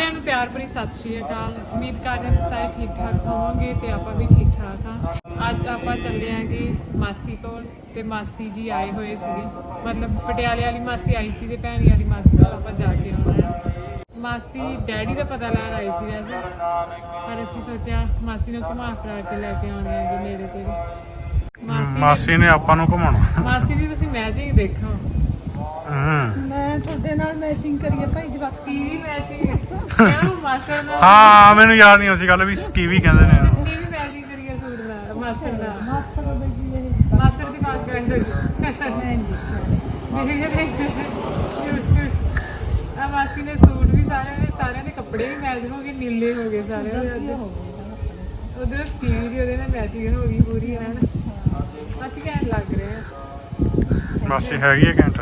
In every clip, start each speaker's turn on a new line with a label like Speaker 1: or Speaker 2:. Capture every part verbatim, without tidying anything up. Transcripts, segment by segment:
Speaker 1: ਸਾਰਿਆਂ ਨੂੰ ਪਿਆਰ ਭਰੀ ਸਤਿ ਸ਼੍ਰੀ ਅਕਾਲ। ਉਮੀਦ ਕਰਦੇ ਹਾਂ ਸਾਰੇ ਠੀਕ ਠਾਕ ਹੋਵੋਗੇ ਤੇ ਆਪਾਂ ਵੀ ਠੀਕ ਠਾਕ ਹਾਂ। ਅੱਜ ਆਪਾਂ ਚੱਲੇ ਆਂਗੇ ਮਾਸੀ ਕੋਲ ਤੇ ਮਾਸੀ ਜੀ ਆਏ ਹੋਏ ਸੀਗੇ, ਮਤਲਬ ਪਟਿਆਲੇ ਵਾਲੀ ਮਾਸੀ ਆਈ ਸੀ ਤੇ ਭੈਣੀ ਵਾਲੀ ਮਾਸੀ ਕੋਲ ਆਪਾਂ ਜਾ ਕੇ ਆਉਣਾ ਹੈ। ਮਾਸੀ ਡੈਡੀ ਦਾ ਪਤਾ ਲੈਣ ਆਈ ਸੀ ਵੈਸੇ, ਪਰ ਅਸੀਂ ਸੋਚਿਆ ਮਾਸੀ ਨੂੰ ਘੁਮਾ ਫਿਰਾ ਕੇ ਲੈ ਕੇ ਆਉਣੇ ਆ ਜੀ ਨੇੜੇ ਤੇੜੇ। ਮਾਸੀ
Speaker 2: ਮਾਸੀ ਨੇ ਆਪਾਂ ਨੂੰ ਘੁਮਾਉਣਾ।
Speaker 1: ਮਾਸੀ ਦੀ ਤੁਸੀਂ ਮੈਚਿੰਗ ਦੇਖੋ।
Speaker 3: ਮੈਂ ਤੁਹਾਡੇ ਨਾਲ ਮੈਚਿੰਗ ਕਰੀਏ ਭਾਈ ਜਵਾਕ
Speaker 1: ਕੀ ਵੀ ਮੈਚਿੰਗ ਕਿਉਂ ਮਾਸਰ ਨਾਲ?
Speaker 2: ਹਾਂ ਮੈਨੂੰ ਯਾਦ ਨਹੀਂ ਆਉਂਦੀ ਗੱਲ ਵੀ ਸਕੀਵੀ ਕਹਿੰਦੇ ਨੇ।
Speaker 1: ਕੀ ਵੀ ਮੈਚਿੰਗ ਕਰੀਏ ਸੂਟ ਨਾਲ ਮਾਸਰ ਨਾਲ।
Speaker 3: ਮਾਸਟਰ ਦੇ ਜੀ ਇਹ
Speaker 1: ਮਾਸਰ ਦੀ ਬਾਤ ਕਰ ਰਹੇ ਆ। ਮਾਸੀ ਨੇ ਸੂਟ ਵੀ ਸਾਰਿਆਂ ਦੇ ਸਾਰਿਆਂ ਦੇ ਕੱਪੜੇ ਵੀ ਮੈਚ ਹੋ ਗਏ, ਨੀਲੇ ਹੋ ਗਏ ਸਾਰਿਆਂ ਦੇ। ਉਧਰ ਸਕੀਵੀ ਦੀ ਉਹਦੇ ਨਾਲ ਮੈਚਿੰਗ ਹੋ ਗਈ ਪੂਰੀ ਹੈ ਨਾ। ਅਸੀਂ ਕਹਿਣ ਲੱਗ ਰਹੇ ਆ
Speaker 2: ਮਾਸੀ ਹੈਗੀ ਹੈ ਘੰਟਾ।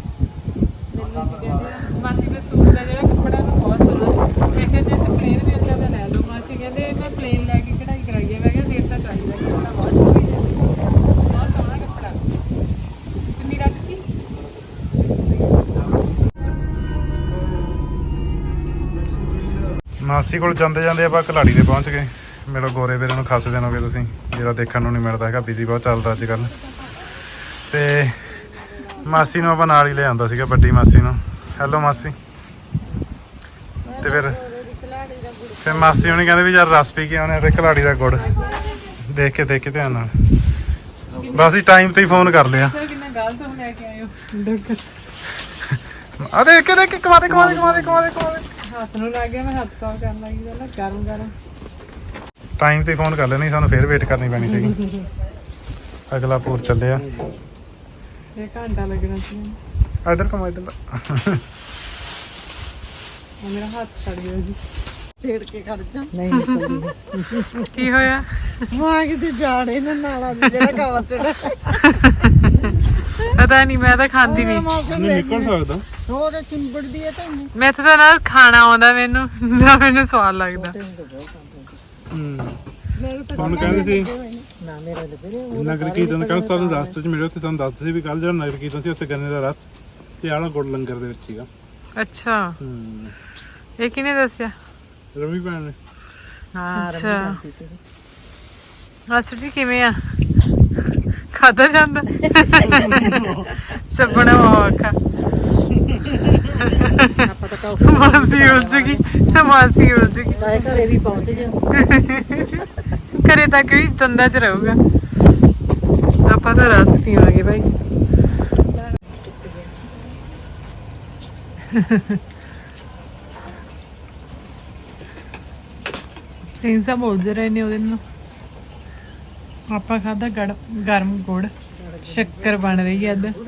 Speaker 1: ਮਾਸੀ ਦੇ ਸੂਟ ਦਾ ਜਿਹੜਾ ਕੱਪੜਾ ਨਾ ਬਹੁਤ ਸੋਹਣਾ। ਮੈਂ ਕਿਹਾ ਜੇ ਪਲੇਨ ਵੀ ਅੱਛਾ ਤਾਂ ਲੈ ਲਓ। ਮਾਸੀ ਕਹਿੰਦੇ ਮੈਂ ਪਲੇਨ ਲੈ ਕੇ ਕਢਾਈ ਕਰਾਈ ਹੈ। ਮੈਂ ਕਿਹਾ ਫੇਰ ਤਾਂ ਚਾਹੀਦਾ ਕੱਪੜਾ ਬਹੁਤ ਸੋਹਣਾ ਬਹੁਤ ਸੋਹਣਾ ਕੱਪੜਾ। ਚੁੰਨੀ ਰੱਖੀ
Speaker 2: ਮਾਸੀ ਕੋਲ ਜਾਂਦੇ ਜਾਂਦੇ ਆਪਾਂ ਕਲਾੜੀ ਤੇ ਪਹੁੰਚ ਗਏ। ਮੇਰੇ ਗੋਰੇ ਵੀਰੇ ਨੂੰ ਖਾਸੇ ਦਿਨ ਹੋ ਗਏ, ਤੁਸੀਂ ਜਿਹੜਾ ਦੇਖਣ ਨੂੰ ਨਹੀਂ ਮਿਲਦਾ ਹੈਗਾ, ਬਿਜ਼ੀ ਬਹੁਤ ਚੱਲਦਾ ਅੱਜ ਕੱਲ੍ਹ। ਤੇ ਮਾਸੀ ਨੂੰ ਆਪਾਂ ਨਾਲ ਹੀ ਲੈ ਆਉਂਦਾ ਸੀਗਾ, ਵੱਡੀ ਮਾਸੀ ਨੂੰ। ਹੈਲੋ ਮਾਸੀ। ਤੇ ਫਿਰ ਫਿਰ ਮਾਸੀ ਹੁਣੀ ਕਹਿੰਦੇ ਵੀ ਯਾਰ ਰਸ ਪੀ ਕੇ ਆਉਣੇ ਤੇ ਕਲਾੜੀ ਦਾ ਗੁੜ ਦੇਖ ਕੇ ਦੇਖ ਕੇ ਧਿਆਨ ਨਾਲ। ਬਸ ਹੀ ਟਾਈਮ ਤੇ ਹੀ ਫੋਨ ਕਰ ਲਿਆ।
Speaker 1: ਕਿੰਨਾ ਗਲਤ ਹੋ ਲੈ ਕੇ ਆਇਓ।
Speaker 2: ਆ ਦੇਖ ਕੇ ਦੇਖ ਕੇ ਕਮਾ ਦੇ ਕਮਾ ਦੇ ਕਮਾ ਦੇ ਕਮਾ ਦੇ ਕਮਾ ਦੇ।
Speaker 1: ਹੱਥ ਨੂੰ ਲੱਗ ਗਿਆ, ਮੈਂ ਹੱਥ ਸਾਫ ਕਰਨ ਲੱਗੀ ਪਹਿਲਾਂ ਗਰਮ ਗਰਮ।
Speaker 2: ਟਾਈਮ ਤੇ ਫੋਨ ਕਰ ਲੈਣੀ, ਸਾਨੂੰ ਫੇਰ ਵੇਟ ਕਰਨੀ ਪੈਣੀ ਸੀਗੀ। ਅਗਲਾ ਪੂਰ ਚੱਲਿਆ।
Speaker 1: ਇਹ ਘੰਟਾ ਲੱਗਣਾ ਸੀ।
Speaker 2: ਇੱਧਰ ਕਮਾ ਇੱਧਰ।
Speaker 1: ਮੇਰਾ ਹੱਥ ਛੱਡ ਗਿਆ ਜੀ।
Speaker 3: ਛੇੜ ਕੇ ਖੜ ਜਾ ਨਹੀਂ ਨਿਕਲਦੀ।
Speaker 1: ਕੀ ਹੋਇਆ?
Speaker 3: ਮਾਂ ਕਿਤੇ ਜਾੜੇ ਨਾ ਨਾਲਾ ਜਿਹੜਾ ਕਾਵਾ ਚੜਾ।
Speaker 1: ਪਤਾ ਨਹੀਂ, ਮੈਂ ਤਾਂ ਖਾਂਦੀ ਨਹੀਂ।
Speaker 2: ਨਿਕਲ ਸਕਦਾ
Speaker 3: ਹੋਰ ਚਿੰਬੜਦੀ ਹੈ ਤੈਨੂੰ।
Speaker 1: ਮੈਥੋਂ ਤਾਂ ਨਾ ਖਾਣਾ ਆਉਂਦਾ, ਮੈਨੂੰ ਨਾ ਮੈਨੂੰ ਸਵਾਦ ਲੱਗਦਾ।
Speaker 2: ਤੁਹਾਨੂੰ ਕਹਿੰਦੇ ਸੀ
Speaker 3: ਨਾ ਮੇਰਾ ਲੱਗੇ
Speaker 2: ਨਗਰ ਕੀਰਤਨ ਕੱਲ ਸਾਨੂੰ ਰਸਤੇ 'ਚ ਮਿਲਿਓ ਤੇ ਸਾਨੂੰ ਦੱਸਦੇ ਸੀ ਵੀ ਕੱਲ ਜਿਹੜਾ ਨਗਰ ਕੀਰਤਨ ਸੀ ਉੱਥੇ ਗੰਨੇ ਦਾ ਰਸ ਤੇ ਆਲਾ ਗੁੜ ਲੰਗਰ ਦੇ ਵਿੱਚ ਸੀਗਾ।
Speaker 1: ਅੱਛਾ,
Speaker 2: ਹੂੰ
Speaker 1: ਇਹ ਕਿਹਨੇ ਦੱਸਿਆ?
Speaker 2: ਰਵੀ ਭੈਣ ਨੇ।
Speaker 1: ਅੱਛਾ ਮਾਸਟਰ ਜੀ ਕਿਵੇਂ ਆ? ਖਾਧਾ ਜਾਂਦਾ ਚੱਪਣਾ ਔਖਾ।
Speaker 3: ਆਪਾਂ ਤਾਂ ਕਾਫੀ
Speaker 1: ਮਾਸੀ ਉਲਝ ਗਈ, ਮਾਸੀ ਉਲਝ ਗਈ।
Speaker 3: ਬਾਏ ਘਰੇ ਵੀ ਪਹੁੰਚ ਜਾ।
Speaker 1: ਘਰੇ ਤੱਕ ਵੀ ਦੰਦਾਂ 'ਚ ਰਹੂਗਾ। ਆਪਾਂ ਤਾਂ ਰਸ ਪੀਵਾਂਗੇ ਭਾਈ। ਸਿੰਸਾ ਬੋਲਦੇ ਰਹੇ ਨੇ ਉਹਦੇ ਨਾਲ। ਆਪਾਂ ਖਾਧਾ ਗਰਮ ਗੁੜ, ਸ਼ੱਕਰ ਬਣ ਰਹੀ ਹੈ ਇੱਧਰ।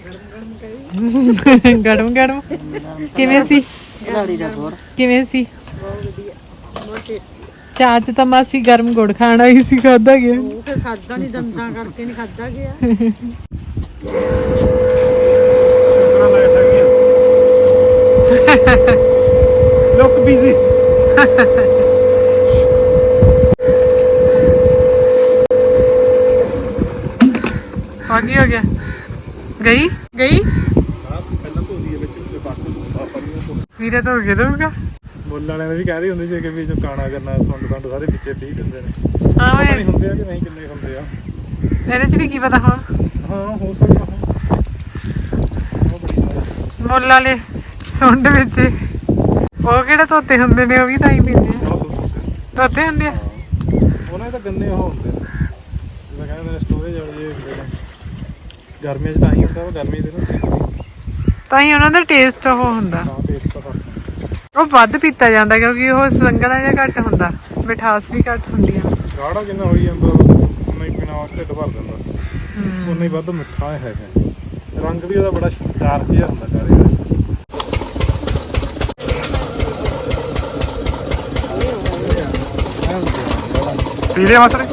Speaker 1: ਗਰਮ ਗਰਮ ਕਿਵੇਂ ਸੀ?
Speaker 3: ਕਲਾੜੀ ਦਾ ਗੁੜ
Speaker 1: ਕਿਵੇਂ ਸੀ?
Speaker 3: ਬਹੁਤ ਵਧੀਆ, ਬਹੁਤ ਟੇਸਟੀ।
Speaker 1: ਚਾਹ ਚ ਤਾਂ ਮਾਸੀ ਗਰਮ ਗੁੜ ਖਾਣਾ ਹੀ ਸੀ, ਖਾਧਾ ਗਿਆ।
Speaker 3: ਉਹ ਫਿਰ ਖਾਦਾ ਨਹੀਂ, ਦੰਦਾਂ ਕਰਕੇ ਨਹੀਂ ਖਾਦਾ ਗਿਆ।
Speaker 2: Look busy.
Speaker 1: ਆ ਕੀ ਹੋ ਗਿਆ? ਗਈ ਗਈ ਵੀਰੇ ਤੋਂ ਹੋ ਗਿਆ ਦਊਗਾ।
Speaker 2: ਮੁੱਲ ਵਾਲਿਆਂ ਨੇ ਵੀ ਕਹਿ ਰਹੇ ਹੁੰਦੇ ਸੀ ਕਿ ਵੀ ਜੋ ਕਾਣਾ ਕਰਨਾ ਸੁੰਡ ਸੰਡ ਸਾਰੇ ਵਿੱਚੇ ਪੀ ਦਿੰਦੇ ਨੇ।
Speaker 1: ਹਾਂ
Speaker 2: ਪਤਾ ਨਹੀਂ ਹੁੰਦੇ ਆ ਕਿ ਨਹੀਂ, ਕਿੰਨੇ ਹੁੰਦੇ ਆ
Speaker 1: ਇਹਦੇ ਚ ਵੀ ਕੀ ਪਤਾ ਹੁਣ।
Speaker 2: ਹਾਂ ਹੋ ਸਕਦਾ।
Speaker 1: ਮੁੱਲ ਵਾਲੇ ਸੁੰਡ ਵਿੱਚ ਉਹ ਕਿਹੜੇ ਧੋਤੇ ਹੁੰਦੇ ਨੇ, ਉਹ ਵੀ ਤਾਂ ਹੀ ਪੀਂਦੇ ਆ। ਧੋਤੇ ਹੁੰਦੇ ਆ
Speaker 2: ਉਹਨਾਂ ਦੇ ਤਾਂ ਗੰਨੇ ਉਹ ਹੁੰਦੇ ਨੇ ਜਿਵੇਂ ਕਹਿੰਦੇ ਸਟੋਰੇਜ ਵਾਲੇ ਹੁੰਦੇ ਨੇ। ਗਰਮੀਆਂ 'ਚ ਤਾਂ ਹੀ ਹੁੰਦਾ, ਗਰਮੀ ਦੇ ਨਾ
Speaker 1: ਤਾਂ ਹੀ ਉਹਨਾਂ ਦਾ ਟੇਸਟ ਉਹ ਹੁੰਦਾ।
Speaker 2: ਤਾਂ ਟੇਸਟ ਤਾਂ
Speaker 1: ਉਹ ਵੱਧ ਪੀਤਾ ਜਾਂਦਾ ਕਿਉਂਕਿ ਉਹ ਸੰਘਣਾ ਜਿਹਾ ਘੱਟ ਹੁੰਦਾ, ਮਿਠਾਸ ਵੀ ਘੱਟ ਹੁੰਦੀ ਆ।
Speaker 2: ਗਾੜਾ ਜਿੰਨਾ ਹੋਈ ਜਾਂਦਾ ਉਨਾ ਹੀ ਪੀਣਾ ਢਿੱਡ ਭਰ ਜਾਂਦਾ, ਉਨਾ ਹੀ ਵੱਧ ਮਿੱਠਾ ਹੈਗਾ। ਰੰਗ ਵੀ ਉਹਦਾ ਬੜਾ ਡਾਰਕ ਜਿਹਾ ਹੁੰਦਾ ਕਾਲੇ ਦਾ। ਪੀ ਲਿਆ ਮਸਰੇ।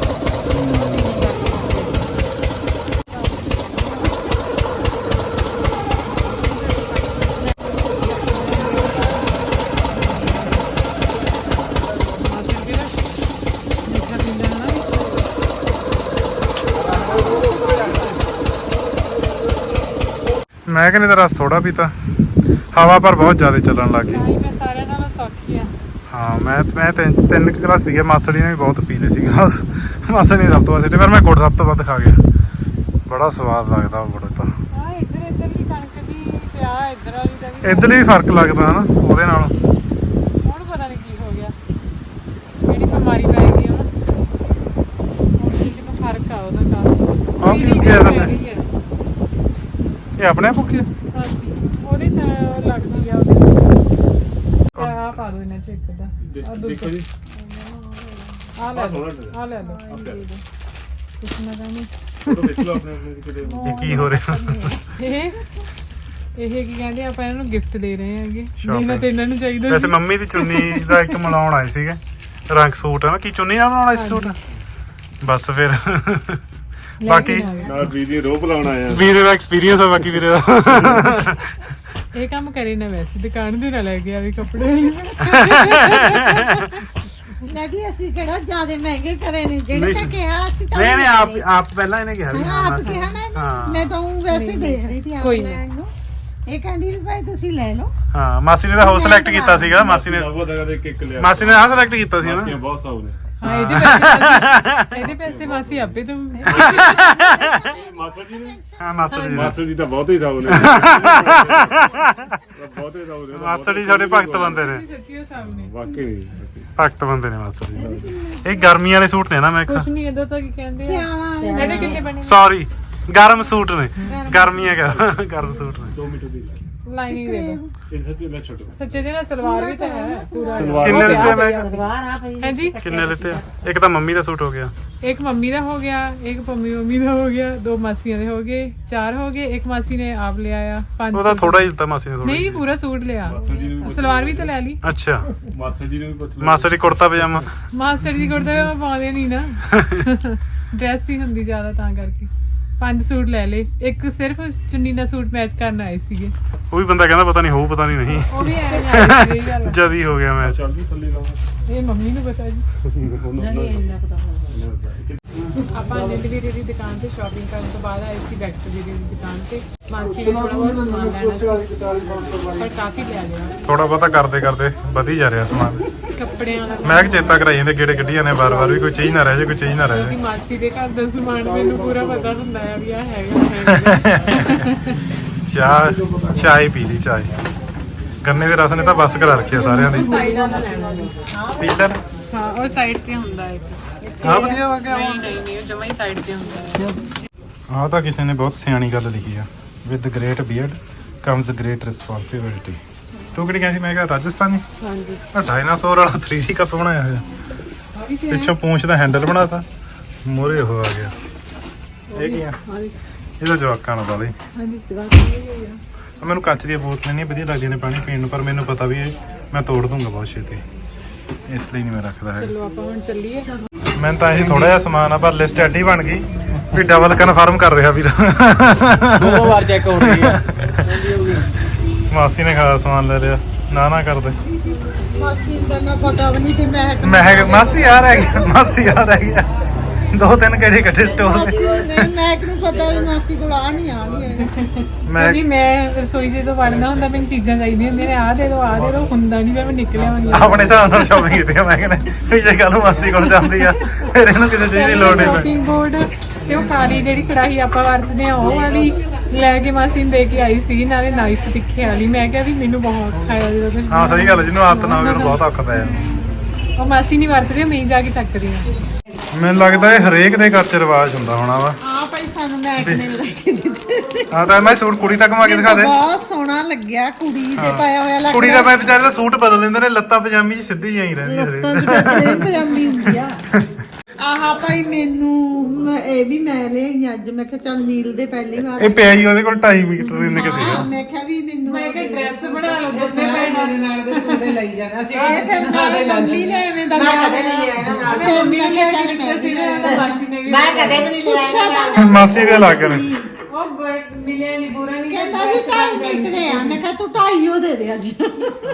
Speaker 2: ਮੈਂ ਕਹਿੰਦਾ ਰਸ ਥੋੜਾ ਪੀਤਾ, ਹਵਾ ਪਰ ਬਹੁਤ ਜ਼ਿਆਦਾ ਚੱਲਣ ਲੱਗ ਗਈ।
Speaker 1: ਮੈਂ ਸਾਰਿਆਂ ਨਾਲੋਂ ਸੌਖੀ ਆ।
Speaker 2: ਹਾਂ ਮੈਂ ਮੈਂ ਤਿੰਨ ਤਿੰਨ ਕੁ ਗਲਾਸ ਪੀ ਗਿਆ। ਮਾਸੜੀ ਨੇ ਵੀ ਬਹੁਤ ਪੀ ਲਏ ਸੀ ਗਲਾਸ। ਮਾਸੜੀ ਨੇ ਸਭ ਤੋਂ ਵੱਧ ਸਿੱਟੇ, ਪਰ ਮੈਂ ਗੁੜ ਸਭ ਤੋਂ ਵੱਧ ਖਾ ਗਿਆ। ਬੜਾ ਸਵਾਦ ਲੱਗਦਾ ਉਹ ਗੁੜ ਤਾਂ।
Speaker 1: ਆ ਇੱਧਰ ਇੱਧਰ ਦੀ ਕਣਕ ਦੀ ਤੇ ਆ ਇੱਧਰ ਵਾਲੀ ਦਾ ਵੀ
Speaker 2: ਇੱਧਰ ਵੀ ਫਰਕ ਲੱਗਦਾ ਹਨਾ ਉਹਦੇ ਨਾਲ।
Speaker 1: ਹੁਣ ਪਤਾ ਨਹੀਂ ਕੀ ਹੋ ਗਿਆ, ਕਿਹੜੀ ਬਿਮਾਰੀ ਪੈ ਗਈ ਆ ਹੁਣ ਕਿਸੇ ਨੂੰ ਫਰਕ ਆ ਉਹਦਾ ਕਾਫੀ।
Speaker 2: ਆਹ ਕੀ ਕਿਹਾ ਇਹਦਾ ਮੈਂ? ਇਹ ਆਪਣੇ ਆਪ ਭੁੱਖੀ ਆ?
Speaker 1: ਹਾਂਜੀ ਉਹਦੇ ਤਾਂ ਲੱਗਦੀ ਆ ਉਹਦੇ ਆ ਪਾ ਦੋ ਇਹਨਾਂ ਚ ਇੱਕ ਦਾ ਆ
Speaker 4: ਦੇਖੋ ਜੀ
Speaker 1: ਆ ਲੈ ਲਓ ਆ ਲੈ ਲਓ ਕੁਛ ਨਾ ਜਾਣੀ
Speaker 4: ਫੋਟੋ ਖਿੱਚ ਲਓ ਆਪਣੇ ਆਪਣੇ ਕਿਤੇ
Speaker 2: ਇਹ ਕੀ ਹੋ ਰਿਹਾ?
Speaker 1: ਇਹ ਇਹ ਕੀ ਕਹਿੰਦੇ ਆਪਾਂ ਇਹਨਾਂ ਨੂੰ ਗਿਫਟ ਦੇ ਰਹੇ ਹੈਗੇ
Speaker 2: Shopping।
Speaker 1: ਜਿਹਨਾਂ ਤੇ ਇਹਨਾਂ ਨੂੰ ਚਾਹੀਦਾ
Speaker 2: ਵੈਸੇ ਮੰਮੀ ਦੀ ਚੁੰਨੀ ਦਾ ਇੱਕ ਮਿਲਾਉਣ ਆਏ ਸੀਗੇ, ਰੰਗ ਸੂਟ ਹੈ ਨਾ, ਕੀ ਚੁੰਨੀ ਨਾਲ ਬਣਾਉਣਾ ਸੀ ਸੂਟ? ਬਸ ਫਿਰ ਬਾਕੀ
Speaker 4: ਨਾਲ ਵੀਡੀਓ ਰੋਪ ਲਾਉਣ ਆਇਆ।
Speaker 2: ਵੀਰੇ ਦਾ ਐਕਸਪੀਰੀਅੰਸ ਆ ਬਾਕੀ ਵੀਰੇ ਦਾ।
Speaker 1: ਇਹ ਕੰਮ ਕਰੇ ਨਾ ਵੈਸੇ ਦੁਕਾਨ ਦੇ ਨਾਲ ਲੈ ਕੇ ਆਵੇ ਕੱਪੜੇ
Speaker 3: ਨਹੀਂ ਅਸੀਂ ਕਿਹੜਾ ਜ਼ਿਆਦਾ ਮਹਿੰਗੇ ਕਰੇ ਨੇ ਜਿਹੜੇ
Speaker 2: ਨਹੀਂ
Speaker 3: ਤੇ
Speaker 2: ਸੀ।
Speaker 3: ਕਿਹਾ ਅਸੀਂ ਤਾਂ
Speaker 2: ਨਹੀਂ ਨਹੀਂ ਆਪ ਆਪ ਪਹਿਲਾਂ ਇਹਨੇ ਕਿਹਾ ਵੀ
Speaker 3: ਹਾਂ
Speaker 2: ਹਾਂ
Speaker 3: ਆਪ
Speaker 2: ਮਾਸੀ।
Speaker 3: ਕਿਹਾ ਨਾ ਇਹਨੇ।
Speaker 2: ਹਾਂ
Speaker 3: ਮੈਂ ਤਾਂ ਊਂ ਵੈਸੇ ਹੀ ਦੇਖ ਰਹੀ ਸੀ ਆਪ
Speaker 1: ਕੋਈ ਨਾ।
Speaker 3: ਲੈਣ ਨੂੰ। ਇਹ ਕਹਿੰਦੀ ਵੀ ਭਾਈ ਤੁਸੀਂ ਲੈ ਲਓ।
Speaker 2: ਹਾਂ ਮਾਸੀ ਨੇ ਤਾਂ ਹਾਊਸ ਸਿਲੈਕਟ ਕੀਤਾ ਸੀਗਾ। ਮਾਸੀ ਨੇ
Speaker 4: ਬਹੁਤ ਜਗ੍ਹਾ ਦੇ ਇੱਕ ਲਿਆ।
Speaker 2: ਮਾਸੀ ਨੇ ਆਹ ਸਿਲੈਕਟ ਕੀਤਾ ਸੀ ਨਾ।
Speaker 4: ਮਾਸੀਆਂ ਬਹੁਤ ਸੌ ਨੇ।
Speaker 1: ਹਾਂ ਇਹਦੇ ਪੈਸੇ ਇਹਦੇ ਪੈਸੇ ਮਾਸੀ ਆਪੇ ਤੋਂ
Speaker 4: ਮਾਸਟਰ ਜੀ ਨੇ
Speaker 2: ਹਾਂ ਮਾਸਟਰ ਜੀ
Speaker 4: ਮਾਸਟਰ ਜੀ ਤਾਂ ਬਹੁਤ ਹੀ ਸੌ ਨੇ। ਬਹੁਤ ਹੀ ਸੌ ਨੇ।
Speaker 2: ਮਾਸਟਰ ਜੀ ਸਾਡੇ ਭਗਤ ਬੰਦੇ ਨੇ,
Speaker 1: ਸੱਚੀ ਉਹ ਸਾਹਮਣੇ
Speaker 4: ਵਾਕਈ ਨਹੀਂ।
Speaker 2: ਭਗਤ ਬੰਦੇ ਨੇ ਮਾਸਟਰ ਜੀ। ਇਹ ਗਰਮੀ ਵਾਲੇ ਸੂਟ ਨੇ ਨਾ ਮੈਂ
Speaker 1: ਕੁਛ ਨਹੀਂ ਇਹਦਾ ਤਾਂ ਕੀ ਕਹਿੰਦੇ ਆ
Speaker 3: ਸਿਆਣਾ
Speaker 1: ਇਹਦੇ ਕਿੰਨੇ ਬਣੇ
Speaker 2: ਸੌਰੀ ਗਰਮ ਸੂਟ ਨੇ, ਗਰਮੀਆਂ ਕਾ ਗਰਮ ਸੂਟ ਨੇ।
Speaker 4: ਦੋ ਮੀਟਰ ਦੀ
Speaker 1: ਲਾਈਨਿੰਗ ਦੇ ਦੋ
Speaker 4: ਇਹ ਸੱਚੀ ਲੈ ਛੱਡੋ।
Speaker 1: ਸੱਚੇ ਦੇ ਨਾਲ ਸਲਵਾਰ ਵੀ ਤਾਂ ਹੈ ਪੂਰਾ
Speaker 2: ਕਿੰਨੇ ਲਿੱਤੇ ਮੈਂ?
Speaker 1: ਹੈ ਜੀ
Speaker 2: ਕਿੰਨੇ ਲਿੱਤੇ ਆ? ਇੱਕ ਤਾਂ ਮੰਮੀ ਦਾ ਸੂਟ ਹੋ ਗਿਆ,
Speaker 1: ਇੱਕ ਮੰਮੀ ਦਾ ਹੋ ਗਿਆ, ਇੱਕ ਪੰਮੀ ਮੰਮੀ ਦਾ ਹੋ ਗਿਆ, ਦੋ ਮਾਸੀਆਂ ਦੇ ਹੋ ਗਏ, ਚਾਰ ਹੋ ਗਏ, ਇੱਕ ਮਾਸੀ ਨੇ ਆਪ ਲਿਆ ਆ, ਪੰਜ
Speaker 2: ਉਹਦਾ
Speaker 1: ਸੂਟ।
Speaker 2: ਥੋੜਾ ਹੀ ਲਿੱਤਾ ਮਾਸੀ ਨੇ ਥੋੜਾ।
Speaker 1: ਨਹੀਂ ਪੂਰਾ ਸੂਟ ਲਿਆ,
Speaker 4: ਮਾਸਟਰ ਜੀ ਨੂੰ ਵੀ
Speaker 1: ਸਲਵਾਰ ਵੀ ਤਾਂ ਲੈ ਲਈ।
Speaker 2: ਅੱਛਾ
Speaker 4: ਮਾਸਟਰ ਜੀ ਨੂੰ ਵੀ ਪੁੱਛ ਲਓ।
Speaker 2: ਮਾਸਟਰ ਜੀ ਕੁੜਤਾ ਪਜਾਮਾ।
Speaker 1: ਮਾਸਟਰ ਜੀ ਕੁੜਤੇ ਉਹ ਪਾਉਂਦੇ ਨਹੀਂ ਨਾ, ਡਰੈਸ ਹੀ ਹੁੰਦੀ ਜ਼ਿਆਦਾ ਤਾਂ ਕਰਕੇ ਪੰਜ ਸੂਟ ਲੈ ਲਏ। ਇੱਕ ਸਿਰਫ ਚੁੰਨੀ ਨਾਲ ਸੂਟ ਮੈਚ ਕਰਨ ਆਏ ਸੀਗੇ,
Speaker 2: ਉਹ ਵੀ ਬੰਦਾ ਕਹਿੰਦਾ ਪਤਾ ਨਹੀਂ ਹੋਊ ਪਤਾ ਨਹੀਂ ਨਹੀਂ
Speaker 1: ਉਹ ਵੀ ਐਂ ਆਏ ਸੀ। ਇਹ ਗੱਲ ਆ।
Speaker 2: ਜਦ ਹੀ ਹੋ ਗਿਆ ਮੈਚ।
Speaker 4: ਚੱਲ ਵੀ ਥੱਲੇ ਲਾਵਾਂ।
Speaker 1: ਇਹ ਮੰਮੀ ਨੂੰ ਪਤਾ ਜੀ।
Speaker 4: ਨਹੀਂ ਇੰਨਾ ਪਤਾ
Speaker 1: ਆਪਾਂ ਅਨਿਲ ਵੀਰੇ ਦੀ ਦੁਕਾਨ ਤੇ ਸ਼ਾਪਿੰਗ ਕਰਨ ਤੋਂ ਬਾਅਦ ਆਏ ਸੀ ਵੈਕਟਰ ਵੀਰੇ ਦੀ ਦੁਕਾਨ ਤੇ। ਮਾਸੀ ਨੇ ਥੋੜਾ ਬਹੁਤ ਸਮਾਨ ਲੈਣਾ ਸੀ ਪਰ ਕਾਫੀ ਲੈ ਲਿਆ।
Speaker 2: ਥੋੜਾ ਬਹੁਤਾ ਕਰਦੇ ਕਰਦੇ ਵਧੀ ਜਾ ਰਿਹਾ ਸਮਾਨ।
Speaker 1: ਕੱਪੜਿਆਂ ਦਾ
Speaker 2: ਮੈਂ ਕਿ ਚੇਤਾ ਕਰਾਈ ਜਾਂਦੇ ਕਿਹੜੇ ਗੱਡੀ ਜਾਂਦੇ ਬਾਰ ਬਾਰ ਵੀ ਕੋਈ ਚੀਜ਼ ਨਾ ਰਹਿ ਜਾਏ, ਕੋਈ ਚੀਜ਼ ਨਾ ਰਹਿ
Speaker 1: ਕਿਉਂਕਿ
Speaker 2: ਜਾਏ।
Speaker 1: ਮਾਸੀ ਦੇ ਘਰ ਦਾ ਸਮਾਨ ਮੈਨੂੰ ਪੂਰਾ ਪਤਾ ਹੁੰਦਾ ਆ ਵੀ ਆ ਹੈਗਾ ਹੈਗਾ।
Speaker 2: ਚਾਹ ਚਾਹ ਹੀ ਪੀ ਲਈ ਚਾਹ। ਗੰਨੇ ਦੇ ਰਸ ਨੇ ਤਾਂ ਬਸ ਕਰਾ ਰੱਖਿਆ ਸਾਰਿਆਂ ਦੀ।
Speaker 1: ਸਾਈਡ ਵਾਲਾ ਲੈਣਾ ਜੀ।
Speaker 2: ਪੀਟਰ
Speaker 1: ਹਾਂ ਉਹ ਸਾਈਡ ਤੇ ਹੁੰਦਾ ਇੱਕ।
Speaker 2: ਆ ਵਧੀਆ ਵਾ ਗਿਆ।
Speaker 1: ਨਹੀਂ ਨਹੀਂ ਨਹੀਂ ਉਹ ਜਮਾ ਹੀ ਸਾਈਡ ਤੇ ਹੁੰਦਾ ਹੈ।
Speaker 2: ਆਹ ਤਾਂ ਕਿਸੇ ਨੇ ਬਹੁਤ ਸਿਆਣੀ ਗੱਲ ਲਿਖੀ ਆ, with great beard comes great responsibility. ਤੂੰ ਕਿਹੜੀ ਕਹਿੰਦੀ? ਮੈਂ ਕਿਹਾ ਰਾਜਸਥਾਨੀ।
Speaker 1: ਹਾਂਜੀ
Speaker 2: ਆ ਡਾਇਨਾਸੌਰ ਵਾਲਾ ਥ੍ਰੀ ਡੀ ਕੱਪ ਬਣਾਇਆ ਹੋਇਆ, ਪਿੱਛੋਂ ਪੂੰਛ ਦਾ ਹੈਂਡਲ ਬਣਾਤਾ, ਮੋਰੇ ਉਹ ਆ ਗਿਆ। ਇਹ ਕੀ ਆ? ਇਹਦਾ ਜਵਾਕਾਂ ਨਾਲ ਵਾਲੇ।
Speaker 1: ਹਾਂਜੀ ਜਵਾਬ ਇਹ ਆ।
Speaker 2: ਮੈਨੂੰ ਕੱਚ ਦੀਆਂ ਬੋਤਲਾਂ ਨਹੀਂ ਵਧੀਆ ਲੱਗਦੀਆਂ ਨੇ ਪਾਣੀ ਪੀਣ ਨੂੰ, ਪਰ ਮੈਨੂੰ ਪਤਾ ਵੀ ਇਹ ਮੈਂ ਤੋੜ ਦੂੰਗਾ ਬਹੁਤ ਛੇਤੀ, ਇਸ ਲਈ ਨਹੀਂ ਮੈਂ ਰੱਖਦਾ ਹੈ।
Speaker 1: ਚਲੋ ਆਪਾਂ ਹੁਣ ਚੱਲੀਏ।
Speaker 2: ਮੈਨੂੰ ਤਾਂ ਇਹ ਥੋੜਾ ਜਿਹਾ ਸਮਾਨ ਆ, ਪਰ ਲਿਸਟ ਐਡੀ ਬਣ ਗਈ ਵੀ ਡਬਲ ਕਨਫਰਮ ਕਰ ਰਿਹਾ ਵੀਰ।
Speaker 5: ਦੋ ਵਾਰ ਚੈੱਕ ਹੋ ਰਹੀ ਹੈ।
Speaker 2: ਮਾਸੀ ਨੇ ਖਾਸ ਸਮਾਨ ਲੈ ਲਿਆ, ਨਾ ਨਾ ਕਰਦੇ।
Speaker 3: ਮਾਸੀ ਦਾ ਨਾ ਪਤਾ ਵੀ ਨਹੀਂ ਤੇ ਮੈਂ
Speaker 2: ਮੈਂ ਕਿਹਾ ਮਾਸੀ ਆ ਰਹਿ ਗਿਆ, ਮਾਸੀ ਆ ਰਹਿ ਗਿਆ। ਦੋ ਤਿੰਨ ਕਿਹੜੇ ਇਕੱਠੇ ਸਟੋਰ
Speaker 3: ਮਾਸੀ ਨੇ ਮੈਂ ਕਿਹਨੂੰ ਪਤਾ ਵੀ ਮਾਸੀ ਕੋਲ ਆ ਨਹੀਂ ਆ ਨਹੀਂ
Speaker 2: ਮੈਂ
Speaker 1: ਜੀ ਮੈਂ ਰਸੋਈ ਜਦੋਂ ਵੜਨਾ ਹੁੰਦਾ ਮੈਨੂੰ ਚੀਜ਼ਾਂ ਚਾਹੀਦੀਆਂ ਹੁੰਦੀਆਂ ਨੇ, ਆਹ ਦੇ ਦੋ ਆਹ ਦੇ ਦੋ, ਹੁੰਦਾ ਨਹੀਂ ਮੈਂ ਨਿਕਲਿਆ ਹੁੰਦੀ
Speaker 2: ਆਪਣੇ ਹਿਸਾਬ ਨਾਲ ਸ਼ਾਪਿੰਗ ਕੀਤੀ ਆ। ਮੈਂ ਕਹਿੰਦਾ ਵੀ ਜੇ ਕੱਲ ਨੂੰ ਮਾਸੀ ਕੋਲ ਜਾਂਦੀ ਆ ਫਿਰ ਇਹਨੂੰ ਕਿਸੇ ਚੀਜ਼ ਦੀ ਲੋੜ ਨਹੀਂ ਪੈਣੀ।
Speaker 1: ਸ਼ਾਪਿੰਗ ਬੋਰਡ ਤੇ ਉਹ ਕਾਲੀ ਜਿਹੜੀ ਕੜਾਹੀ ਆਪਾਂ ਵਰਤਦੇ ਆ ਉਹ ਵਾਲੀ ਲੈ ਕੇ ਮਾਸੀ ਨੂੰ ਦੇ ਕੇ ਆਈ ਸੀ, ਨਾਲੇ ਨਾਈਫ ਤਿੱਖੇ ਵਾਲੀ। ਮੈਂ ਕਿਹਾ ਵੀ ਮੈਨੂੰ ਬਹੁਤ ਔਖਾ ਆ ਜਦੋਂ ਤੁਸੀਂ
Speaker 2: ਹਾਂ ਸਹੀ ਗੱਲ, ਜਿਹਨੂੰ ਆਦਤ ਨਾ ਹੋਵੇ ਉਹਨੂੰ ਬਹੁਤ ਔਖਾ ਪੈ ਜਾਂਦਾ।
Speaker 1: ਉਹ ਮਾਸੀ ਨਹੀਂ ਵਰਤਦੀ, ਮੈਂ ਜਾ ਕੇ ਚੱਕਦੀ ਆ।
Speaker 2: ਮੈਨੂੰ ਲੱਗਦਾ ਇਹ ਹਰੇਕ ਦੇ ਘਰ ਚ ਰਿਵਾਜ ਹੁੰਦਾ ਹੋਣਾ ਵਾ।
Speaker 3: ਆ ਭਾਈ ਸਾਨੂੰ ਮੈਕ ਨੇ ਲੈ ਕੇ ਦਿੱਤੇ।
Speaker 2: ਹਾਂ ਤਾਂ ਮੈਂ ਸੂਟ ਕੁੜੀ ਤੱਕ ਮਾ ਕੇ ਦਿਖਾ ਦੇ।
Speaker 3: ਬਹੁਤ ਸੋਹਣਾ ਲੱਗਿਆ, ਕੁੜੀ ਦੇ ਪਾਇਆ ਹੋਇਆ ਲੱਗਦਾ।
Speaker 2: ਕੁੜੀ ਦਾ ਮੈਂ ਵਿਚਾਰੇ ਦਾ ਸੂਟ ਬਦਲ ਲੈਂਦੇ ਨੇ, ਲੱਤਾਂ ਪਜਾਮੀ ਚ ਸਿੱਧੀ ਜਾਈ ਰਹਿੰਦੀ ਹਰੇਕ
Speaker 3: ਲੱਤਾਂ 'ਚ ਬਦਲੇ ਪਜਾਮੀ ਹੁੰਦੀ ਆ। ਆਹ ਭਾਈ ਮੈਨੂੰ ਮੈਂ- ਇਹ ਵੀ ਮੈਂ ਲਈ ਅੱਜ। ਮੈਂ ਕਿਹਾ ਚੱਲ ਨੀਲ ਦੇ ਪਹਿਲੀ ਵਾਰ
Speaker 2: ਇਹ ਪਿਆ ਹੀ ਉਹਦੇ ਕੋਲ ਢਾਈ ਮੀਟਰ ਦੇ ਇੰਨੇ ਕਿਸੇ
Speaker 3: ਹਾਂ, ਮੈਂ ਕਿਹਾ ਵੀ ਮੈਨੂੰ
Speaker 1: ਮੈਂ ਕਿਹਾ ਡਰੈਸ ਬਣਾ ਲਓ ਦੋਨੇ ਭੈਣਾਂ ਦੇ ਨਾਲ ਦੇ ਸੂਟੇ ਲਈ ਜਾਣਾ ਅਸੀਂ।
Speaker 3: ਇਹ ਫਿਰ ਮੈਂ ਮੰਮੀ ਨੇ ਐਵੇਂ ਦਾ ਲਿਆ ਕਦੇ ਨਹੀਂ ਲਿਆ ਨਾ
Speaker 1: ਮੰਮੀ ਨੇ ਕਿਹਾ ਕਿ ਦਿੱਤਾ ਸੀ ਨਾ, ਮਾਸੀ ਨੇ ਵੀ
Speaker 6: ਮੈਂ ਕਦੇ ਵੀ ਨਹੀਂ ਲਿਆ।
Speaker 2: ਮਾਸੀ ਦੇ ਲੱਗ ਨੇ।
Speaker 1: ਉਹ ਬਟ ਮਿਲਿਆ ਨਹੀਂ, ਪੂਰਾ ਨਹੀਂ
Speaker 3: ਕਹਿੰਦਾ ਵੀ ਢਾਈ ਮਿੰਟ ਦੇ ਆ। ਮੈਂ ਕਿਹਾ ਤੂੰ ਢਾਈ ਉਹ ਦੇ ਦੇ ਅੱਜ।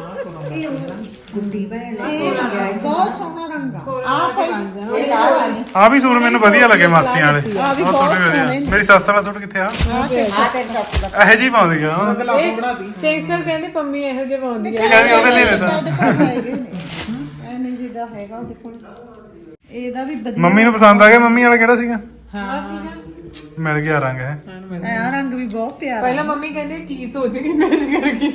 Speaker 6: ਗੁੰਡੀ ਭੈਣ
Speaker 3: ਇਹ ਬਹੁਤ ਸੋਹਣਾ ਰੰਗ ਆ। ਆ ਭਾਈ
Speaker 6: ਇਹ ਲਾਲ ਵਾਲੀ
Speaker 2: ਆ ਵੀ ਸੂਟ ਮੈਨੂੰ ਵਧੀਆ ਲੱਗੇ ਮਾਸੀਆਂ ਵਾਲੇ।
Speaker 3: ਆਹ ਵੀ
Speaker 2: ਉਹ ਸੂਟ
Speaker 3: ਬਹੁਤ
Speaker 2: ਵੀ ਵਧੀਆ।
Speaker 3: ਸੋਹਣੇ।
Speaker 2: ਮੇਰੀ ਸੱਸ ਵਾਲਾ ਸੂਟ ਕਿੱਥੇ ਆ?
Speaker 6: ਆ ਤੇ ਸੱਸ ਦਾ
Speaker 2: ਇਹੋ ਜਿਹੀ ਪਾਉਂਦੀ ਆ।
Speaker 1: ਸੇਖ ਸਰ ਕਹਿੰਦੇ ਪੰਮੀ ਇਹੋ ਜਿਹੇ ਪਾਉਂਦੀ ਆ।
Speaker 2: ਕਹਿੰਦੀ ਉਹਦੇ ਲਈ ਲੈਦਾ।
Speaker 3: ਉਹਦੇ ਕੋਲ ਹੈਗੇ ਨੇ। ਐਵੇਂ ਜਿਹਦਾ ਹੈਗਾ ਉਹਦੇ ਕੋਲ ਇਹਦਾ ਵੀ ਵਧੀਆ
Speaker 2: ਮੰਮੀ ਨੂੰ ਪਸੰਦ ਆ ਗਿਆ। ਮੰਮੀ ਵਾਲਾ ਕਿਹੜਾ ਸੀਗਾ?
Speaker 1: ਹਾਂ ਸੀਗਾ
Speaker 2: ਮਿਲ ਗਿਆ ਰੰਗ ਹੈ।
Speaker 3: ਆ ਰੰਗ ਵੀ ਬਹੁਤ ਪਿਆਰਾ
Speaker 1: ਪਹਿਲਾਂ ਮੰਮੀ ਕਹਿੰਦੇ ਕੀ ਸੋਚ ਕੇ ਮੈਚ ਕਰਕੇ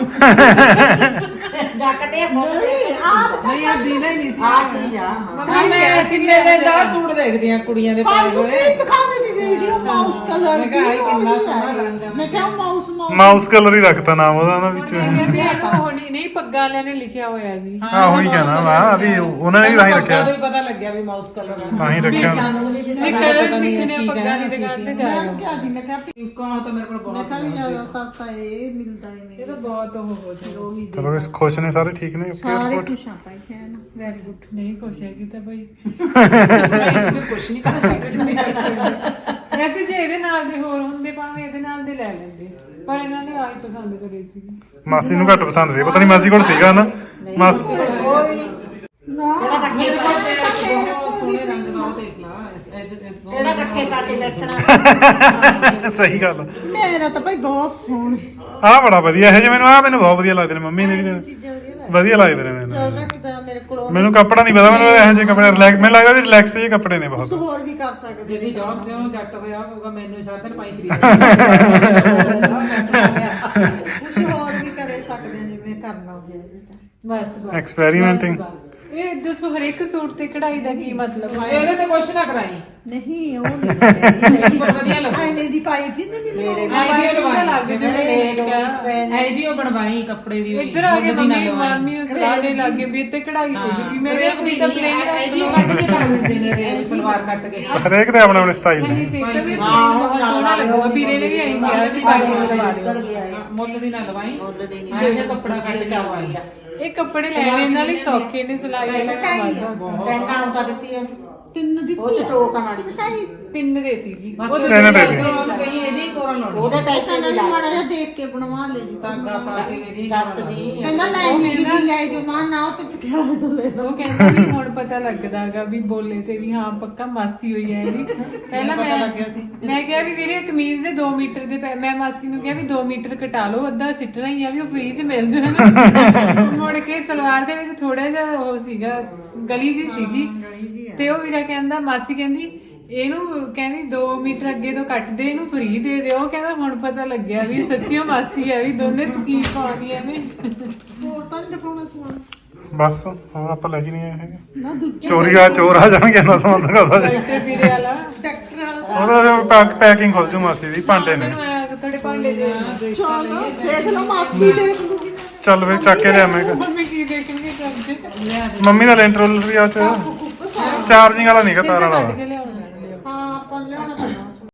Speaker 6: ਜੱਕਦੇ
Speaker 3: ਨਹੀਂ ਆ
Speaker 4: ਨਹੀਂ ਆ ਦੀਨਾ ਹੀ ਨਹੀਂ ਸੀ
Speaker 6: ਆ ਚੀਜ਼ ਆ
Speaker 4: ਆ ਮੈਂ ਕਿੰਨੇ ਦੇ ਦਸ ਸੂਟ ਦੇਖਦੀ ਆ ਕੁੜੀਆਂ ਦੇ ਪਾਏ ਹੋਏ
Speaker 3: ਦਿਖਾਉਂਦੇ ਦੀ ਵੀਡੀਓ ਮਾਊਸ ਕਲਰ
Speaker 4: ਮੈਂ ਕਿਹਾ ਇਹ ਕਿੰਨਾ ਸੋਹਣਾ ਰੰਗ ਆ।
Speaker 3: ਮੈਂ ਕਿਹਾ ਮਾਊਸ ਮਾਊਸ
Speaker 2: ਮਾਊਸ ਕਲਰ ਹੀ ਰੱਖਤਾ ਨਾਮ ਉਹਦਾ ਨਾ ਵਿੱਚ।
Speaker 1: ਹੋਣੀ ਨਹੀਂ ਪੱਗਾਂ ਵਾਲਿਆਂ ਨੇ ਲਿਖਿਆ ਹੋਇਆ ਜੀ
Speaker 2: ਹਾਂ ਉਹੀ ਕਹਿਣਾ ਵਾ ਵੀ ਉਹਨਾਂ ਨੇ ਵੀ ਤਾਂ ਹੀ ਰੱਖਿਆ,
Speaker 4: ਪੱਗਾਂ ਤੋਂ ਹੀ ਪਤਾ ਲੱਗਿਆ ਵੀ ਮਾਊਸ ਕਲਰ ਆ।
Speaker 2: ਤਾਂ ਹੀ ਰੱਖਿਆ।
Speaker 1: ਇਹ ਕਲਰ ਸਿੱਖਣੇ ਆ ਪੱਗਾਂ ਦੀ ਦੁਕਾਨ ਤੇ ਜਾਇਓ।
Speaker 3: ਮੈਂ ਕਿਹਾ ਜੀ ਮੈਂ ਕਿਹਾ ਵੀ-
Speaker 4: ਕੌਣ ਤਾਂ ਮੇਰੇ ਕੋਲ
Speaker 3: ਮੈਂ
Speaker 4: ਬਹੁਤ
Speaker 3: ਕਿਹਾ ਵੀ ਜ਼ਿਆਦਾਤਰ ਤਾਂ ਇਹ ਮਿਲਦਾ ਹੀ
Speaker 1: ਇਹ
Speaker 3: ਨਹੀਂ
Speaker 1: ਤਾਂ ਬਹੁਤ ਉਹ ਹੋ ਜਾਏ
Speaker 2: ਚਲੋ ਇਸ ਖੁਸ਼ ਨੇ ਸਾਰੇ, ਠੀਕ ਨੇ?
Speaker 3: ਸਾਰੇ ਖੁਸ਼ ਆ ਭਾਈ ਕਹਿਣ ਵੈਰੀ ਗੁੱਡ
Speaker 1: ਨਹੀਂ ਕੁਛ ਹੈਗੀ ਤਾਂ ਬਈ
Speaker 4: ਇਸ ਨੂੰ ਕੁਝ ਨਹੀਂ ਕਰ ਸਕਦੇ।
Speaker 1: ਵੈਸੇ ਜੇ ਇਹਦੇ ਨਾਲ ਦੇ ਹੋਰ ਹੁੰਦੇ ਭਾਵੇਂ ਇਹਦੇ ਨਾਲ ਦੇ ਲੈ ਲੈਂਦੇ, ਪਰ ਇਹਨਾਂ ਨੇ ਆਈ ਪਸੰਦ ਕਰੇ ਸੀ।
Speaker 2: ਮਾਸੀ ਨੂੰ ਘੱਟ ਪਸੰਦ ਸੀ, ਪਤਾ ਨਹੀਂ ਮਾਸੀ ਕੋਲ ਸੀਗਾ ਨਾ। ਮਾਸੀ
Speaker 6: ਕੋਈ ਨਹੀਂ
Speaker 3: ਨਾ
Speaker 4: ਮੇਰੇ ਕੋਲ ਤੇ ਬਹੁਤ ਸੋਹਣੇ ਰੰਗ ਦਾ ਉਹ ਦੇਖ ਲਾ ਇਸ ਇਹਦੇ ਇਸ
Speaker 6: ਕਿਹੜਾ ਇਕੱਠੇ ਕਰਕੇ ਬੈਠਣਾ
Speaker 2: ਸਹੀ ਗੱਲ।
Speaker 3: ਮੇਰਾ ਤਾਂ ਭਾਈ ਬਹੁਤ ਸੋਹਣਾ
Speaker 2: ਆਹ ਬੜਾ ਵਧੀਆ ਹੈ ਜੀ, ਮੈਨੂੰ ਆਹ ਮੈਨੂੰ ਬਹੁਤ ਵਧੀਆ ਲੱਗਦੇ ਨੇ। ਮੰਮੀ ਨੇ ਵੀ
Speaker 3: ਚੀਜ਼ਾਂ ਵਧੀਆ
Speaker 2: ਵਧੀਆ ਲੱਗਦੇ ਨੇ ਮੈਨੂੰ।
Speaker 3: ਲੱਗਦਾ ਕਿਦਾਂ ਮੇਰੇ ਕੋਲ
Speaker 2: ਮੈਨੂੰ ਕੱਪੜਾ ਨਹੀਂ ਪਤਾ, ਮੈਨੂੰ ਇਹੋ ਜਿਹੇ ਕੱਪੜੇ ਰਿਲੈਕਸ, ਮੈਨੂੰ ਲੱਗਦਾ ਵੀ ਰਿਲੈਕਸ ਜਿਹੇ ਕੱਪੜੇ ਨੇ ਬਹੁਤ।
Speaker 3: ਹੋਰ ਵੀ ਕਰ ਸਕਦੇ
Speaker 4: ਜਿਹਦੀ ਜੌਬ ਸੇ ਉਹ ਜੱਟ ਹੋਇਆ ਹੋਊਗਾ ਮੈਨੂੰ ਹੀ ਸਾਰਾ ਦਿਨ ਪਾਈ ਖਰੀਦ
Speaker 3: ਕੁਝ ਹੋਰ ਵੀ ਕਰੇ ਸਕਦੇ ਆ ਜਿਵੇਂ ਕਰਨਾ ਹੋਵੇ
Speaker 1: ਬਸ ਬਸ
Speaker 2: ਐਕਸਪੈਰੀਮੈਂਟਿੰਗ।
Speaker 1: ਬਸ। ਇਹ ਦੱਸੋ ਹਰੇਕ ਸੂਟ ਤੇ ਕਢਾਈ ਦਾ ਕੀ ਮਤਲਬ ਹੈ?
Speaker 4: ਇਹਦੇ ਤੇ ਕੁਛ ਨਾ ਕਰਾਈ
Speaker 3: ਨਹੀਂ ਉਹ ਨਹੀਂ
Speaker 4: ਸਿੰਪਲ ਵਧੀਆ ਲੱਗਦਾ।
Speaker 3: ਆਇਨੇ ਦੀ ਪਾਈ ਕਿ ਨਹੀਂ ਮੇਰੇ
Speaker 4: ਆਈਡੀਆ
Speaker 1: ਲੱਗ
Speaker 4: ਲਵਾਈ
Speaker 1: ਜਿਵੇਂ
Speaker 4: ਆਈਡੀਆ ਬਣਵਾਈ ਕੱਪੜੇ ਦੀ
Speaker 1: ਇੱਧਰ ਆ ਕੇ ਮੰਮੀ ਮਾਮੀ ਨੂੰ ਸਲਾਹ ਦੇ ਲੱਗੇ ਵੀ ਇੱਥੇ ਕਢਾਈ ਹੋ ਜੂਗੀ ਮੇਰੇ
Speaker 4: ਦੀ
Speaker 1: ਤਾਂ ਪਲੇਨ
Speaker 4: ਆਈਡੀਆ ਕੱਟ ਕੇ ਕਰ ਦਿੰਦੇ ਨੇ ਰੇ ਸਲਵਾਰ ਕੱਟ ਕੇ
Speaker 2: ਹਰੇਕ ਦੇ ਆਪਣੇ ਆਪਣੇ ਸਟਾਈਲ
Speaker 1: ਨਹੀਂ
Speaker 2: ਨੇ।
Speaker 1: ਸਿੱਖ ਵੀ ਬਹੁਤ ਸੋਹਣਾ ਲੱਗੂਗਾ। ਵੀਰੇ ਨੇ ਵੀ ਆਈ ਕਿਹਾ ਵੀ ਬਾਈ ਨੂੰ ਲਵਾ
Speaker 6: ਨਿਕਲ
Speaker 1: ਲਿਓ।
Speaker 6: ਗਿਆ ਇਹ
Speaker 4: ਮੁੱਲ ਦੀ ਨਾ ਲਵਾਈ
Speaker 6: ਮੁੱਲ ਦੇ ਨਹੀਂ
Speaker 4: ਆਈਡੀਆ ਕੱਪੜਾ ਕੱਟ ਕੇ ਲਵਾਈ
Speaker 1: ਇਹ ਕੱਪੜੇ ਲੈਣੇ ਨਾਲ ਹੀ ਸੌਖੇ ਨੇ, ਸਿਲਾਈ ਵਾਲਾ ਕੰਮ
Speaker 6: ਪੈਨਾ ਹੁੰਦਾ ਦਿੱਤੀ ਆ
Speaker 3: ਤਿੰਨ ਦੀ
Speaker 6: ਉਹ ਚ ਟੋਕ ਮਾੜੀ
Speaker 1: ਤਿੰਨ ਦੇਤੀ ਜੀ
Speaker 4: ਬਸ
Speaker 1: ਉਹਦੇ
Speaker 2: ਤਿੰਨ ਦੇ
Speaker 4: ਉਹਨੂੰ ਉਹਨੂੰ ਕਹੀ ਇਹਦੀ ਕੋਰਨ ਲਾਉਣੀ
Speaker 6: ਉਹਦੇ ਪੈਸੇ ਨਹੀਂ
Speaker 3: ਮਾੜਾ
Speaker 6: ਲਾਏ
Speaker 3: ਜਿਹਾ ਦੇਖ ਕੇ ਬਣਵਾ ਲੈ ਜੀ
Speaker 4: ਧਾਗਾ ਪਾ ਕੇ ਇਹਦੀ
Speaker 6: ਦੱਸ ਦੀ
Speaker 3: ਕਹਿੰਦਾ ਲੈ ਜੀ ਵੀ ਲੈ ਜੋ ਮਾਂ ਨਾ ਤੇ ਪਟਿਆਲੇ ਤੋਂ ਲੈ ਲਓ।
Speaker 1: ਉਹ ਕਹਿੰਦਾ ਵੀ ਹੁਣ ਪਤਾ ਲੱਗਦਾਗਾ ਵੀ ਬੋਲੇ ਤੇ ਵੀ ਹਾਂ ਪੱਕਾ ਮਾਸੀ ਹੋਈ ਹੈ ਇਹਦੀ। ਪਹਿਲਾਂ
Speaker 4: ਪਤਾ
Speaker 1: ਮੈਂ
Speaker 4: ਲੱਗਿਆ ਸੀ?
Speaker 1: ਮੈਂ ਕਿਹਾ ਵੀ ਵੀਰੇ ਕਮੀਜ਼ ਦੇ ਦੋ ਮੀਟਰ ਦੇ ਪੈ- ਮੈਂ ਮਾਸੀ ਨੂੰ ਕਿਹਾ ਵੀ ਦੋ ਮੀਟਰ ਕਟਾ ਲਓ, ਅੱਧਾ ਸਿੱਟਣਾ ਹੀ ਆ ਵੀ ਉਹ ਫ੍ਰੀ ਚ ਮਿਲ ਜਾਣਾ। ਮੁੜ ਕੇ ਸਲਵਾਰ ਦੇ ਵਿੱਚ ਥੋੜਾ ਜਿਹਾ ਉਹ ਸੀਗਾ, ਗਲੀ ਜੀ ਸੀਗੀ ਤੇ ਉਹ ਵੀਰਾ ਕਹਿੰਦਾ, ਮਾਸੀ ਕਹਿੰਦੀ ਇਹਨੂੰ ਕਹਿੰਦੀ ਦੋ ਮੀਟਰ ਅੱਗੇ ਤੋਂ ਕੱਟ ਦੇ, ਇਹਨੂੰ ਫ੍ਰੀ ਦੇ ਦਿਓ। ਉਹ ਕਹਿੰਦਾ ਹੁਣ ਪਤਾ ਲੱਗਿਆ ਵੀ ਸੱਚੀਓ ਮਾਸੀ ਹੈ, ਵੀ ਦੋਨੇ ਸਕੀਮ ਪਾਉਂਦੀਆਂ ਨੇ।
Speaker 3: ਹੋਰ ਤਾਂ ਨੀ ਦਿਖਾਉਣਾ ਸਮਾਨ
Speaker 2: ਬਸ ਹੋਰ ਆਪਾਂ ਲੈ ਕੇ ਨਹੀਂ ਆਏ ਹੈਗੇ।
Speaker 3: ਨਾ ਦੂਜੇ
Speaker 2: ਚੋਰੀ ਆ ਚੋਰ ਆ ਜਾਣਗੇ ਨਾ ਸਮਾਨ ਦਿਖਾਉਂਦਾ ਜੀ।
Speaker 1: ਤੇ ਵੀਰੇ ਵਾਲਾ
Speaker 3: ਟਰੈਕਟਰ ਵਾਲਾ
Speaker 2: ਉਹਦਾ ਪੈਕ ਪੈਕਿੰਗ ਖੁੱਲ ਜੂ ਮਾਸੀ ਦੀ, ਭਾਂਡੇ ਨੇ।
Speaker 1: ਮੈਨੂੰ ਆਇਆ ਕਿ ਤੁਹਾਡੇ ਭਾਂਡੇ ਦੇ
Speaker 3: ਚਲੋ ਦੇਖ ਲਓ ਮਾਸੀ ਦੇਖ ਲੂਗੀ
Speaker 2: ਚੱਲ ਵੇ ਚੱਕ ਕੇ ਲਿਆ ਮੈਂ ਕਿਹਾ।
Speaker 1: ਮੰਮੀ ਕੀ ਦੇਖਣਗੇ ਕਰਦੇ
Speaker 2: ਮੰਮੀ ਦਾ ਲੈਂਟਰ ਰੋਲਰ ਵੀ ਆ ਚ ਚਾਰਜਿੰਗ ਵਾਲਾ ਨਹੀਂ ਗਾ, ਤਾਰ ਵਾਲਾ
Speaker 1: ਕੱਢ
Speaker 2: ਵਾ।
Speaker 1: ਕੇ ਲਿਆਉਣਾ।
Speaker 3: ਹਾਂ ਆਪਾਂ ਲਿਆਉਣਾ ਪੈਣਾ